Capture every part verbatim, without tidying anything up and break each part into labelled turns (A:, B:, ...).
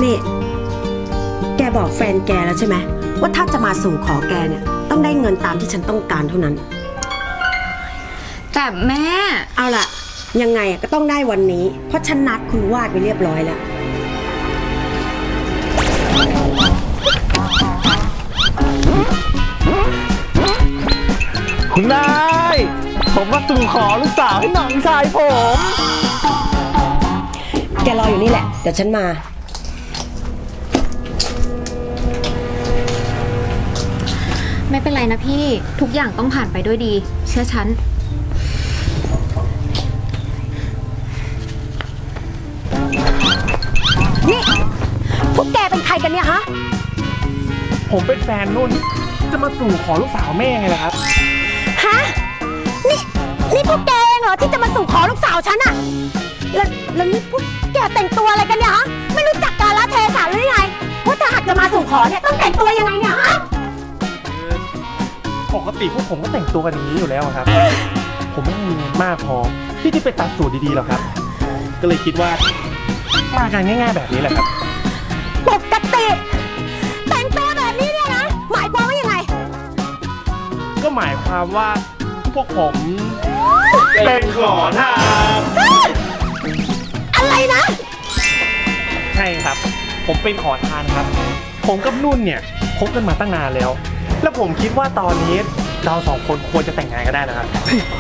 A: นี่แกบอกแฟนแกแล้วใช่ไหมว่าถ้าจะมาสู่ขอแกเนี่ยต้องได้เงินตามที่ฉันต้องการเท่านั้น
B: แต่แม่
A: เอาล่ะยังไงก็ต้องได้วันนี้เพราะฉันนัดคุณวาดไปเรียบร้อยแล้ว
C: คุณนายผมมาสู่ขอลูกสาวให้น้องชายผม
A: แกรออยู่นี่แหละเดี๋ยวฉันมา
B: ไม่เป็นไรนะพี่ทุกอย่างต้องผ่านไปด้วยดีเชื่อฉัน
A: นี่พวกแกเป็นใครกันเนี่ยฮะ
C: ผมเป็นแฟนนุ่นจะมาสู่ขอลูกสาวแม่ไงล่ะครับ
A: ฮะนี่นี่พวกแกเองเหรอที่จะมาสู่ขอลูกสาวฉันอะแล้วแล้วนี่พวกแกแต่งตัวอะไรกันเนี่ยฮะไม่รู้จักกาลเทศะหรือไงว่าถ้าหากจะมาสู่ขอเนี่ยต้องแต่งตัวยังไงเนี่ยฮะ
C: ปกติพวกผมก็แต่งตัวกันอย่างนี้อยู่แล้วครับผมไม่มีเงินมากพอที่จะไปตัดสูตรดีๆหรอกครับก็เลยคิดว่ามากันง่ายๆแบบนี้แหละครับ
A: ปกติแต่งตัวแบบนี้เนี่ยนะหมายความว่ายังไง
C: ก็หมายความว่าพวกผมเป็นขอทาน
A: อะไรนะ
C: ใช่ครับผมเป็นขอทานครับผมกับนุ่นเนี่ยคบกันมาตั้งนานแล้วแล้วผมคิดว่าตอนนี้เราสองคนควรจะแต่งงานกันได้แล้วครับ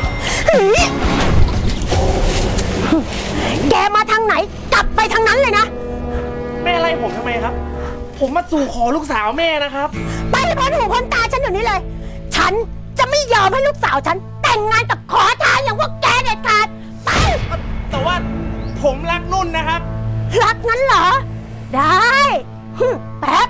A: แกมาทางไหนกลับไปทางนั้นเลยนะ
C: แม่อะไรผมทำไมครับผมมาสู่ขอลูกสาวแม่นะครับ
A: ไปพ้นหูพ้นตาฉันอยู่นี้เลยฉันจะไม่ยอมให้ลูกสาวฉันแต่งงานกับขอทานอย่างพวกแกเด็ดขาดไป
C: แต่ว่าผมรักนุ่นนะครับ
A: รักงั้นเหรอได้แป๊บ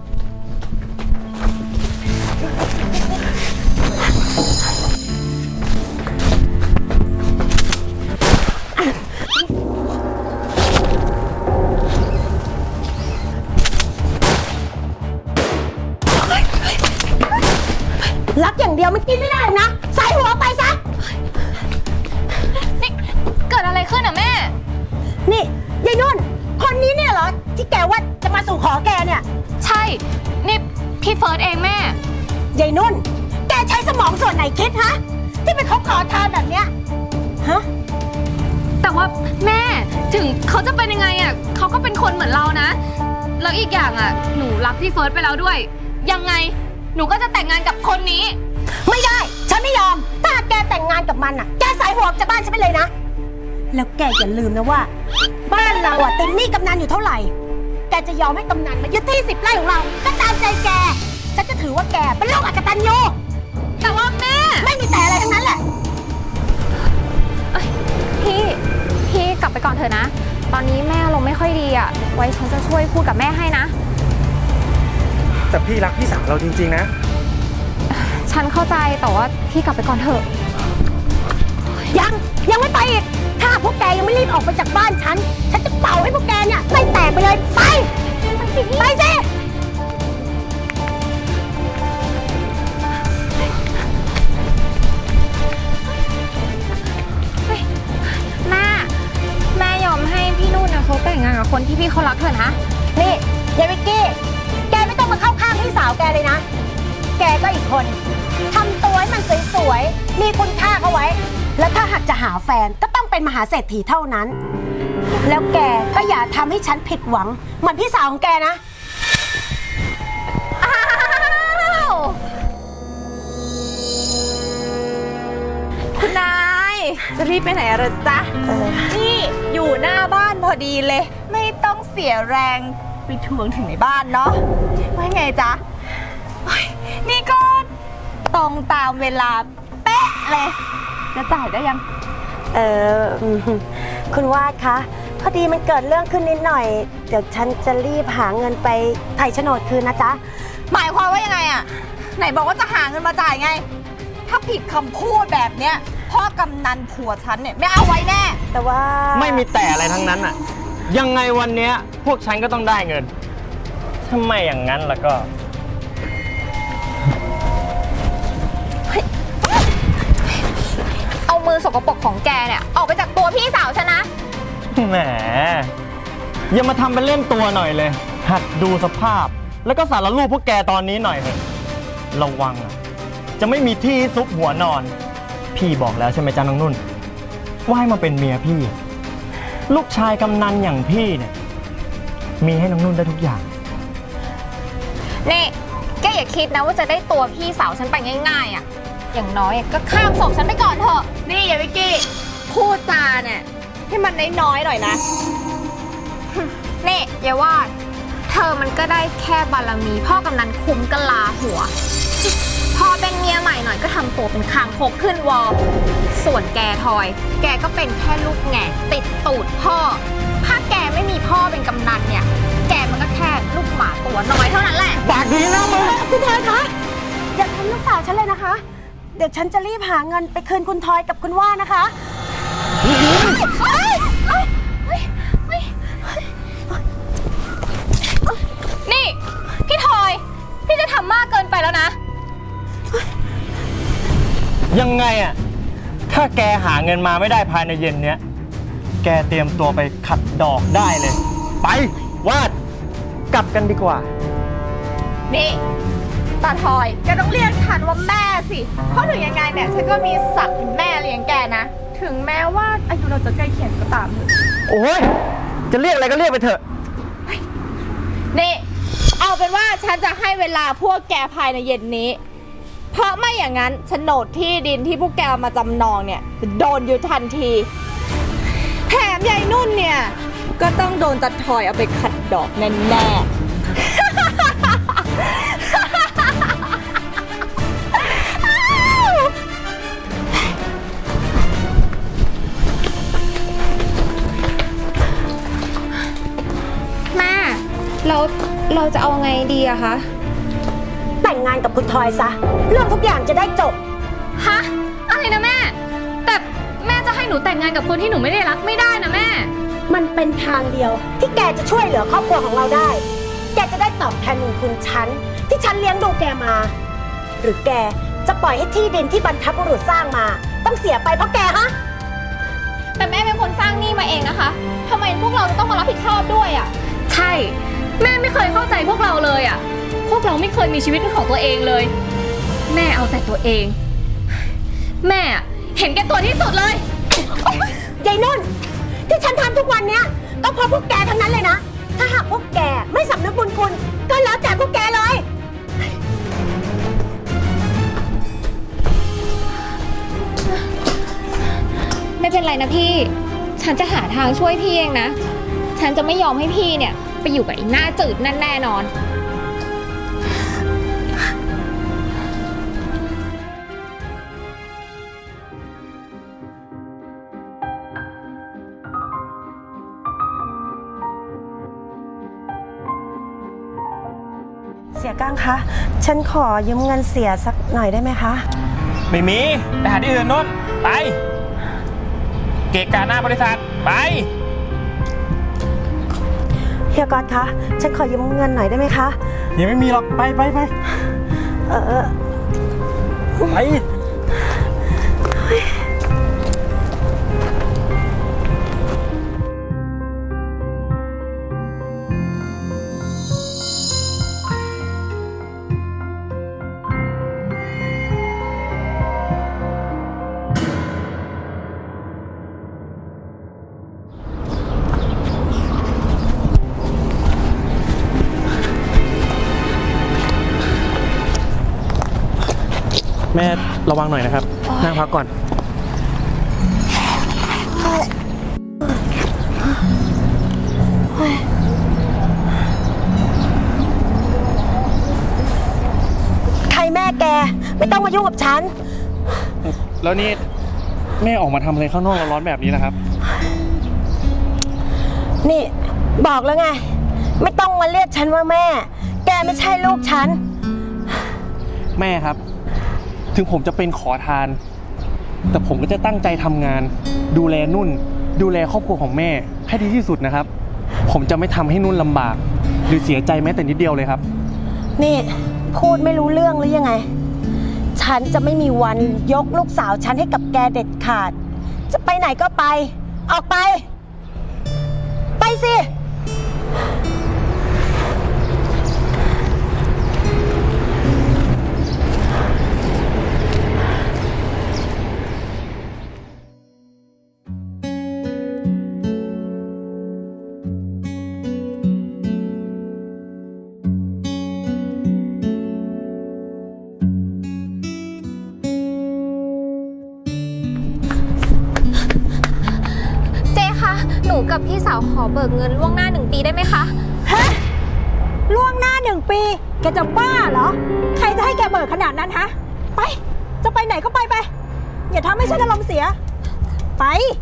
A: รักอย่างเดียวมันกินไม่ได้นะใส่หัวไปซะ
B: นี่เกิดอะไรขึ้นอ่ะแม่
A: นี่ยายนุ่นคนนี้เนี่ยเหรอที่แกว่าจะมาสู่ขอแกเนี่ย
B: ใช่นี่พี่เฟิร์สเองแม่
A: ยายนุ่นแกใช้สมองส่วนไหนคิดฮะที่ไปคบขอทานแบบเนี้ยฮะ
B: แต่ว่าแม่ถึงเขาจะเป็นยังไงอ่ะเขาก็เป็นคนเหมือนเรานะแล้วอีกอย่างอ่ะหนูรักพี่เฟิร์สไปแล้วด้วยยังไงหนูก็จะแต่งงานกับคนนี้
A: ไม่ได้ฉันไม่ยอมถ้าแกแต่งงานกับมันอ่ะแกสายหัวจากบ้านฉันไปเลยนะแล้วแกอย่าลืมนะว่าบ้านเราอ่ะติดหนี้กำนันอยู่เท่าไหร่แกจะยอมให้กำนันมายึดที่สิบไร่ของเราก็ตามใจแกฉันจะถือว่าแกเป็นลูกอกตัญญู
B: แต่ว่าแม่
A: ไม่มีแต่อะไรทั้งนั้นแหละ
B: พี่พี่กลับไปก่อนเถอะนะตอนนี้แม่อารมณ์ไม่ค่อยดีอ่ะไว้ฉันจะช่วยพูดกับแม่ให้นะ
C: แต่พี่รักพี่สาวเราจริงๆนะ
B: ฉันเข้าใจแต่ว่าพี่กลับไปก่อนเถอะ
A: ยังยังไม่ไปอีกถ้าพวกแกยังไม่รีบออกไปจากบ้านฉันฉันจะเป่าให้พวกแกเนี่ยไส้แตกไปเลยไปไปสิ
B: แม่แม่ยอมให้พี่นุ่นนะเขาแต่งงานกับคนที่พี่เขารักเถอะนะ
A: นี่ยายวิกกี้แกไม่ต้องมาเข้าข้างพี่สาวแกเลยนะแกก็อีกคนทำตัวให้มันสวยๆมีคุณค่าเขาไว้แล้วถ้าหากจะหาแฟนก็ต้องเป็นมหาเศรษฐีเท่านั้นแล้วแกก็อย่าทำให้ฉันผิดหวังเหมือนพี่สาวของแกนะ
B: อ้าวคุณนายจะรีบไปไหนอะจ๊ะนี่อยู่หน้าบ้านพอดีเลยไม่ต้องเสียแรงไปทวงถึงในบ้านเนาะว่าไงจ๊ะนี่ก็ตรงตามเวลาเป๊ะเลยจะจ่ายได้ยัง
A: เออคุณวาดคะพอดีมันเกิดเรื่องขึ้นนิดหน่อยเดี๋ยวฉันจะรีบหาเงินไปไถ่โฉนดคืนนะจ๊ะ
B: หมายความว่ายังไงอะไหนบอกว่าจะหาเงินมาจ่ายไงถ้าผิดคำพูดแบบเนี้ยพ่อกำนันผัวฉันเนี่ยไม่เอาไว้แน่
A: แต่ว่า
C: ไม่มีแต่อะไรทั้งนั้นอะยังไงวันเนี้ยพวกฉันก็ต้องได้เงินถ้าไม่อย่างนั้นแล้วก็
B: เอามือสกปรกของแกเนี่ยออกไปจากตัวพี่สาวฉันนะ
C: แหม
D: อย่ามาทำเป็นเล่นตัวหน่อยเลย หัดดูสภาพ แล้วก็สารรูปพวกแกตอนนี้หน่อยเถอะระวังอะจะไม่มีที่ซุกหัวนอน พี่บอกแล้วใช่ไหมจ๊ะน้องนุ่น ว่าให้มาเป็นเมียพี่ ลูกชายกำนันอย่างพี่เนี่ย มีให้น้องนุ่นได้ทุกอย่าง
B: นี่แกอย่าคิดนะว่าจะได้ตัวพี่สาวฉันไปง่ายๆอ่ะ อย่างน้อยก็ข้ามศพฉันไปก่อนเถอะ นี่อย่าวิกกี้ พูดจาเนี่ยให้มันน้อยๆหน่อยนะ นี่อย่าว่าเธอมันก็ได้แค่บารมีพ่อกำนันคุ้มกะลาหัว พอเป็นเมียใหม่หน่อยก็ทำตัวเป็นคางคกขึ้นวอลส่วนแกทอย แกก็เป็นแค่ลูกแง่ติดตูดพ่อ ถ้าแกไม่มีพ่อเป็นกำนันเนี่ย แกมันก็แค่ลูกหมาตัวน้อยเท่านั้นแหละ
D: ปากดีนะมึง
A: คุณทอยคะอย่าทำลูกสาวฉันเลยนะคะ เดี๋ยวฉันจะรีบหาเงินไปคืนคุณทอยกับคุณว่านะคะ
B: นี่พี่ทอย พี่จะทำมากเกินไปแล้วนะ
D: ยังไงอะถ้าแกหาเงินมาไม่ได้ภายในเย็นเนี้ย แกเตรียมตัวไปขัดดอกได้เลย ไปวาดกลับกันดีกว่า
B: นี่ตาทอยแกต้องเรียกฉันว่าแม่สิ เพราะถึงยังไงเนี่ยฉันก็มีศักดิ์เป็นแม่เลี้ยงแกนะ ถึงแม้ว่าอายุเราจะใกล้เคียงก็ตามเถอะ
D: โอ้ยจะเรียกอะไรก็เรียกไปเถอะ
B: นี่เอาเป็นว่าฉันจะให้เวลาพวกแกภายในเย็นนี้ เพราะไม่อย่างนั้นโฉนดที่ดินที่พวกแกเอามาจำนองเนี่ยจะโดนอยู่ทันที แถมยายนุ่นเนี่ยก็ต้องโดนตาทอยเอาไปขัดดอกแน่ๆ แม่เราเราจะเอาไงดีอะคะ
A: แต่งงานกับคุณทอยซะ เรื่องทุกอย่างจะได้จบ
E: ฮะอะไรนะแม่ แต่แม่จะให้หนูแต่งงานกับคนที่หนูไม่ได้รักไม่ได้นะแม่
A: มันเป็นทางเดียวที่แกจะช่วยเหลือครอบครัวของเราได้ แกจะได้ตอบแทนบุญคุณฉันที่ฉันเลี้ยงดูแกมา หรือแกจะปล่อยให้ที่ดินที่บรรพบุรุษสร้างมา ต้องเสียไปเพราะแกฮะ
B: แต่แม่เป็นคนสร้างหนี้มาเองนะคะทำไมพวกเราจะต้องมารับผิดชอบด้วยอะ
E: ใช่ แม่ไม่เคยเข้าใจพวกเราเลยอ่ะ พวกเราไม่เคยมีชีวิตเป็นของตัวเองเลย แม่เอาแต่ตัวเอง แม่อะเห็นแก่ตัวที่สุดเลย
A: ยายนุ่น ที่ฉันทำทุกวันเนี้ยก็เพราะพวกแกทั้งนั้นเลยนะ ถ้าหากพวกแกไม่สำนึกบุญคุณก็แล้วแต่พวกแกเลย
B: ไม่เป็นไรนะพี่ ฉันจะหาทางช่วยพี่เองนะ ฉันจะไม่ยอมให้พี่เนี่ยไปอยู่กับไอ้หน้าจืดนั่นแน่นอน
A: เสียก้างคะ ฉันขอยืมเงินเสียสักหน่อยได้ไหมคะ
F: ไม่มีไปหาที่อื่นนู้นไป เกะกะหน้าบริษัทไป
A: เฮียก๊อตคะ ฉันขอยืมเงินหน่อยได้ไหมคะ
D: ยังไม่มีหรอก ไปไปไป
A: เออ
D: ไป
C: แม่ระวังหน่อยนะครับ นั่งพักก่อน
A: ใครแม่แก ไม่ต้องมายุ่งกับฉัน
C: แล้วนี่แม่ออกมาทำอะไรข้างนอกร้อนๆแบบนี้ล่ะครับ
A: นี่บอกแล้วไง ไม่ต้องมาเรียกฉันว่าแม่ แกไม่ใช่ลูกฉัน
C: แม่ครับ ถึงผมจะเป็นขอทาน แต่ผมก็จะตั้งใจทำงาน ดูแลนุ่น ดูแลครอบครัวของแม่ให้ดีที่สุดนะครับ ผมจะไม่ทำให้นุ่นลำบาก หรือเสียใจแม้แต่นิดเดียวเลยครับ
A: นี่พูดไม่รู้เรื่องหรือยังไง ฉันจะไม่มีวันยกลูกสาวฉันให้กับแกเด็ดขาด จะไปไหนก็ไป ออกไป ไปสิ
C: ไ
E: กับพี่สาวขอเบิกเงินล่วงหน้าหนึ่งปีได้ไหมคะ
A: ฮะล่วงหน้าหนึ่งปี แกจะบ้าเหรอ ใครจะให้แกเบิกขนาดนั้นฮะ ไป จะไปไหนก็ไปไป อย่าทำให้ฉันอารมณ์เสีย ไป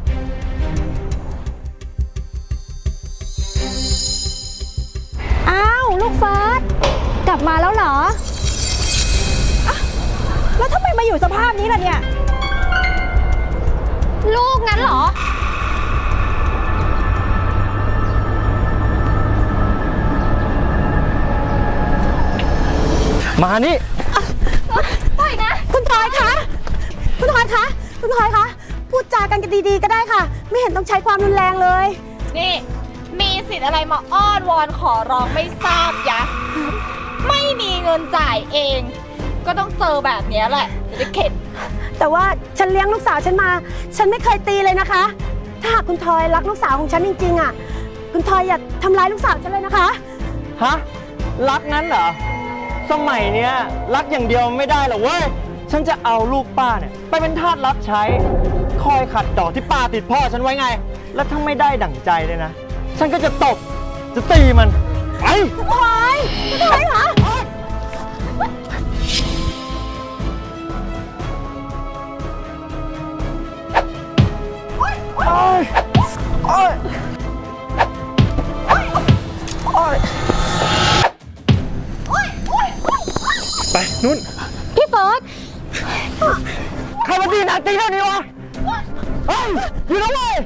A: อ้าว ลูกเฟิร์สกลับมาแล้วเหรออะแล้วทำไมมาอยู่สภาพนี้ล่ะเนี่ย
E: ลูกงั้นเหรอ
D: มานี่
E: ปล่อยนะ
A: คุณพลอยคะ คุณพลอยคะ คุณพลอยคะ พูดจากันกันดีๆก็ได้ค่ะ ไม่เห็นต้องใช้ความรุนแรงเลย
B: นี่มีสิทธิ์อะไรมาอ้อนวอนขอร้องไม่ทราบยะ ไม่มีเงินจ่ายเอง ก็ต้องเจอแบบเนี้ยแหละ จะได้เข็ด
A: แต่ว่าฉันเลี้ยงลูกสาวฉันมา ฉันไม่เคยตีเลยนะคะ ถ้าหากคุณทอยรักลูกสาวของฉันจริงๆอ่ะ คุณทอยอย่าทำร้ายลูกสาวฉันเลยนะคะ
D: ฮะ รักนั้นเหรอ สมัยเนี้ยรักอย่างเดียวไม่ได้หรอกเว้ย ฉันจะเอาลูกป้าเนี่ยไปเป็นทาสรับใช้ คอยขัดดอกที่ป้าติดพ่อฉันไว้ไง แล้วถ้าไม่ได้ดั่งใจเลยนะ ฉันก็จะตบ จะตีมัน ไป
A: คุณทอยคุณทอยเหรอ
C: ไปนุ่น
A: พี่เฟิร์ส
D: ใครมาตีหนักตีเท่านี้วะ เฮ้ย หยุดนะเว้ย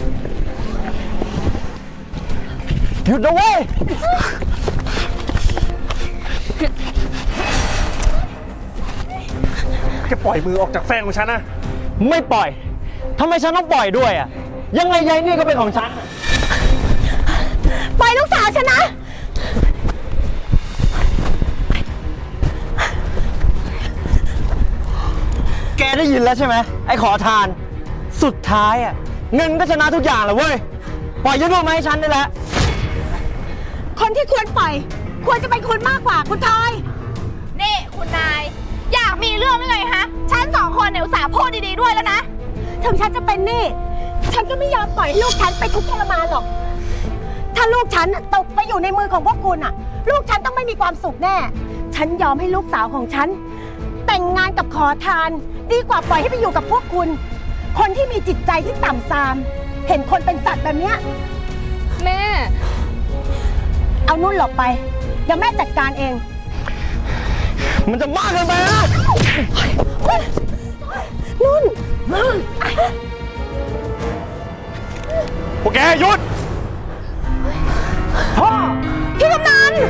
D: หยุดนะเว้ย
C: แกปล่อยมือออกจากแฟนของฉันนะ
D: ไม่ปล่อย ทำไมฉันต้องปล่อยด้วยอ่ะ ยังไงยายนี่ก็เป็นของฉัน
A: ปล่อยลูกสาวฉันนะ
D: แกได้ยินแล้วใช่ไหมไอ้ขอทาน สุดท้ายอ่ะเงินก็ชนะทุกอย่างแหละเว้ย ปล่อยยายนวลมาให้ฉันได้แล้ว
A: คนที่ควรปล่อย ควรจะเป็นคุณมากกว่าคุณทอย
B: นี่คุณนาย อยากมีเรื่องหรือไงฮะ ฉันสองคนเนี่ยอุตส่าห์พูดดีๆด้วยแล้วนะ
A: ถึงฉันจะเป็นหนี้ ฉันก็ไม่ยอมปล่อยให้ลูกฉันไปทุกข์ทรมานหรอก ถ้าลูกฉันน่ะตกไปอยู่ในมือของพวกคุณอ่ะ ลูกฉันต้องไม่มีความสุขแน่ ฉันยอมให้ลูกสาวของฉัน แต่งงานกับขอทาน ดีกว่าปล่อยให้ไปอยู่กับพวกคุณ คนที่มีจิตใจที่ต่ำทราม เห็นคนเป็นสัตว์แบบเนี้ย
E: แม่
A: เอานุ่นหลบไป เดี๋ยวแม่จัดการเอง
D: มันจะมากเกินไปนะ
A: นุ่น
C: พวกแกหยุด
A: พี่กำนัน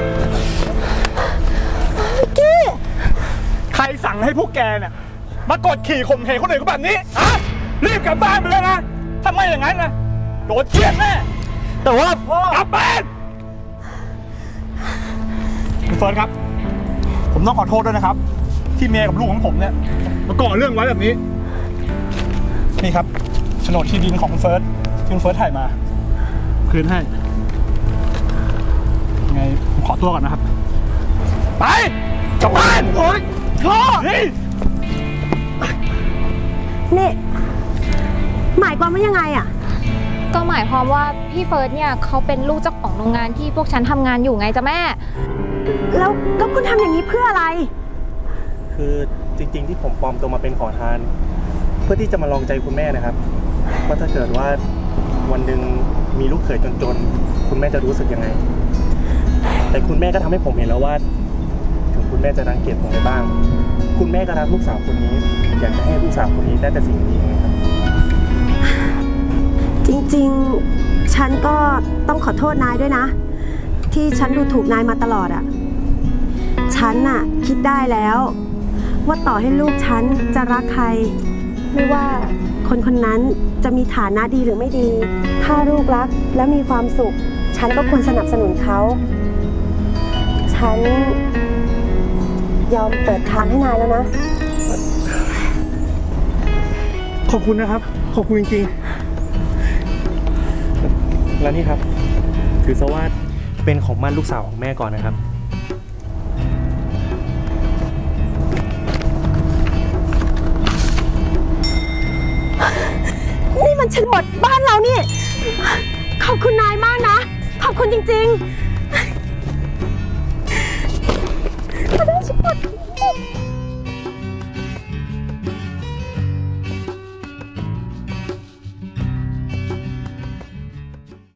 A: วิกกี้
C: ใครสั่งให้พวกแกเนี่ยมากดขี่ข่มเหงคนอื่นเขาแบบนี้อะรีบกลับบ้านไปเลยนะ ถ้าไม่อย่างนั้นนะโดนเจี๊ยบแน่
D: แต่ว่า
C: กลับบ้านคุณเฟิร์นครับ ผมต้องขอโทษด้วยนะครับ ที่เมียกับลูกของผมเนี่ยมาก่อเรื่องไว้แบบนี้ นี่ครับโฉนดที่ดินของคุณเฟิร์สที่คุณเฟิร์สถ่ายมา คืนให้ยังไงผมขอตัวก่อนนะครับ ไปกลับบ้านโอ๊ยพ่อนี่
A: นี่ หมายความว่ายังไงอ่ะ
E: ก็หมายความว่าพี่เฟิร์สเนี่ยเขาเป็นลูกเจ้าของโรงงานที่พวกฉันทำงานอยู่ไงจ๊ะแม่
A: แล้วแล้วคุณทำอย่างนี้เพื่ออะไร
C: คือจริงๆที่ผมปลอมตัวมาเป็นขอทาน เพื่อที่จะมาลองใจคุณแม่นะครับว่าถ้าเกิดว่าวันหนึ่งมีลูกเขยจนๆคุณแม่จะรู้สึกยังไง แต่คุณแม่ก็ทำให้ผมเห็นแล้วว่า ถึงคุณแม่จะรังเกียจผมไปบ้าง คุณแม่ก็รักลูกสาวคนนี้ อยากจะให้ลูกสาวคนนี้ได้แต่สิ่งดีๆครับ
A: จริงๆ ฉันก็ต้องขอโทษนายด้วยนะ ที่ฉันดูถูกนายมาตลอดอะฉันน่ะคิดได้แล้ว ว่าต่อให้ลูกฉันจะรักใคร ไม่ว่าคนคนนั้นจะมีฐานะดีหรือไม่ดี ถ้าลูกรักและมีความสุข ฉันก็ควรสนับสนุนเขา ฉันยอมเปิดทางให้นายแล้วนะ
C: ขอบคุณนะครับ ขอบคุณจริงๆ แล้วนี่ครับ ถือซะว่าเป็นของมั่นลูกสาวของแม่ก่อนนะครับ
A: นี่มันโฉนดบ้านเรานี่ขอบคุณนายมากนะ ขอบคุณจริงๆ